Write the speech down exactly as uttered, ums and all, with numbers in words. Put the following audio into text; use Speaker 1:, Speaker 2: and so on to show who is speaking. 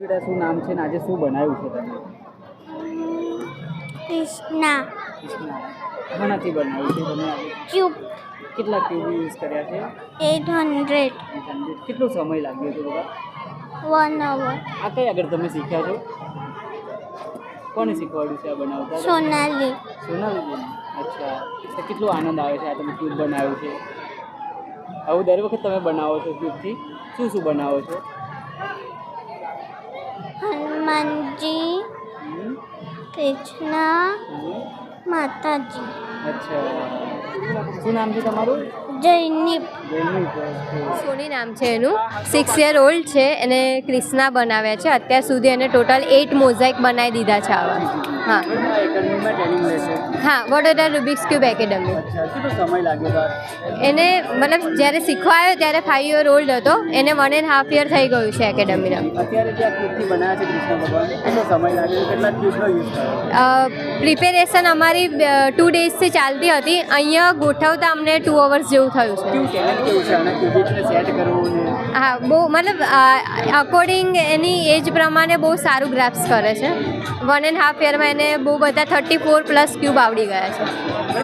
Speaker 1: બેટા શું નામ છે ને આજે શું બનાવ્યું છે તમે?
Speaker 2: કૃષ્ણા
Speaker 1: કૃષ્ણા ઘણાથી બનાવ્યું છે તમે આજે?
Speaker 2: ક્યુબ
Speaker 1: કેટલા ક્યુબ યુઝ કર્યા છે?
Speaker 2: એટ હંડ્રેડ
Speaker 1: કેટલો સમય લાગ્યો હતો બધા?
Speaker 2: વન અવર
Speaker 1: આ કઈ આગળ તમે શીખ્યા છો? કોને શીખવાડ્યું છે આ બનાવતા?
Speaker 2: સોનાલી
Speaker 1: સોનાલીબેન. અચ્છા, તો કેટલો આનંદ આવે છે આ તમે ક્યુબ બનાવ્યું છે? આવું દર વખત તમે બનાવો છો ક્યુબથી? શું શું બનાવો છો?
Speaker 2: હનુમાનજી
Speaker 1: હમ,
Speaker 2: કૃષ્ણ
Speaker 1: હમ.
Speaker 2: માતાજી
Speaker 1: અચ્છા, શું નામ છે તમારું?
Speaker 2: જૈનિપ
Speaker 1: જયમીત. ઓકે.
Speaker 3: સોની નામ છે એનું. સિક્સ યર ઓલ્ડ છે. એને ક્રિષ્ના બનાવ્યા છે. અત્યાર સુધી એને ટોટલ એટ મોઝાઇક બનાવી દીધા છે આવા. હા
Speaker 1: આ એકેડમીમાં ટ્રેનિંગ લેશે?
Speaker 3: હા વડોદરા રૂબિક્સ ક્યુબ એકેડમી.
Speaker 1: અચ્છા, કેટલો સમય લાગ્યો બાર?
Speaker 3: એને મતલબ જ્યારે શીખવા આવ્યો ત્યારે ફાઇવ યર ઓલ્ડ હતો. એને વન એન્ડ હાફ યર થઈ ગયું છે એકેડમીના.
Speaker 1: અત્યારે જે આ ક્યુબથી બનાવ્યા છે કૃષ્ણ ભગવાન, કેટલો સમય લાગ્યો? કેટલા ક્યુબનો યુઝ કર્યો?
Speaker 3: પ્રિપેરેશન અમારી ટુ ડેઝથી ચાલતી હતી. અહીંયા ગોઠવતા અમને ટુ અવર્સ જેવું થયું છે.
Speaker 1: કેવું ટેલેન્ટ કેવું છે આના ક્યુબિકને સેટ કરવું ને?
Speaker 3: હા બહુ મતલબ અકોર્ડિંગ એની એજ પ્રમાણે બહુ સારું ગ્રાફ્સ કરે છે. વન એન્ડ હાફ યરમાં એને બહુ બધા થર્ટી ફોર પ્લસ ક્યુબ આવડી ગયા છે.